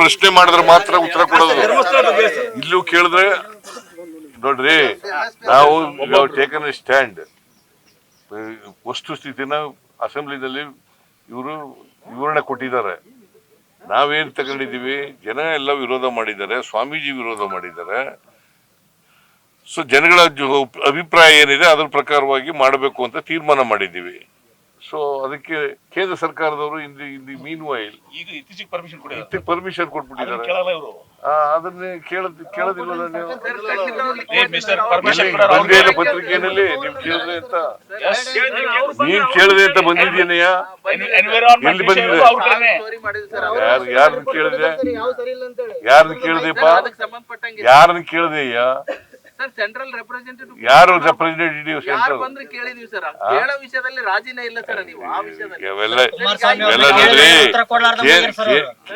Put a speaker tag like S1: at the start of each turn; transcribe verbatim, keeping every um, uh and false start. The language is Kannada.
S1: ಪ್ರಶ್ನೆ ಮಾಡಿದ್ರೆ ಮಾತ್ರ ಉತ್ತರ ಕೊಡೋದು. ಇಲ್ಲೂ ಕೇಳಿದ್ರೆ ನೋಡ್ರಿ, ನಾವು ಟೇಕನ್ ಎ ಸ್ಟ್ಯಾಂಡ್. ವಸ್ತು ಸ್ಥಿತಿನ ಅಸೆಂಬ್ಲಿನಲ್ಲಿ ಇವರು ವಿವರಣೆ ಕೊಟ್ಟಿದ್ದಾರೆ. ನಾವೇನ್ ತಗೊಂಡಿದೀವಿ, ಜನ ಎಲ್ಲ ವಿರೋಧ ಮಾಡಿದ್ದಾರೆ, ಸ್ವಾಮೀಜಿ ವಿರೋಧ ಮಾಡಿದ್ದಾರೆ. ಸೊ ಜನಗಳ ಅಭಿಪ್ರಾಯ ಏನಿದೆ ಅದ್ರ ಪ್ರಕಾರವಾಗಿ ಮಾಡಬೇಕು ಅಂತ ತೀರ್ಮಾನ ಮಾಡಿದ್ದೀವಿ. ಸೊ ಅದಕ್ಕೆ ಕೇಂದ್ರ ಸರ್ಕಾರದವರು ಇಂದು ಇಲ್ಲಿ ಮೀನ್ ವೈಲ್
S2: ಈಗ ಇತ್ತೀಚೆಗೆ ಪರ್ಮಿಷನ್
S1: ಕೊಟ್ಟಿದ್ದಾರೆ ಪರ್ಮಿಷನ್ ಕೊಟ್ಬಿಟ್ಟಿದ್ದಾರೆ. ಅದನ್ನೇ ಕೇಳದ್ ಕೇಳೋದಿಲ್ಲ ನೀವು. ಪತ್ರಿಕೆಯಲ್ಲಿ ನೀವು ಕೇಳಿದ್ರೆ ಅಂತ ನೀನ್ ಕೇಳಿದೆ ಅಂತ ಬಂದಿದ್ದೀನಯ್ಯ. ಎಲ್ಲಿ ಬಂದಿದೆ? ಯಾರು ಯಾರನ್ನ ಕೇಳಿದೆ? ಯಾರನ್ನ ಕೇಳಿದೆಪ್ಪ? ಯಾರನ್ನ ಕೇಳಿದೆಯ್ಯ?
S3: ಸೆಂಟ್ರಲ್ ರೆಪ್ರೆಸೆಂಟೇಟಿವ್
S1: ಯಾರು ರೆಪ್ರೆಸೆಂಟೇಟಿವ್ ಸೆಂಟ್ರಲ್
S3: ಬಂದ್ರೆ ಕೇಳಿದೀವಿ ಸರ್. ಕೇಳೋ ವಿಷಯದಲ್ಲಿ ರಾಜಿನೇ ಇಲ್ಲ ಸರ್. ನೀವು ಆ ವಿಷಯದಲ್ಲಿ
S1: ಇವೆಲ್ಲ ನೋಡ್ರಿ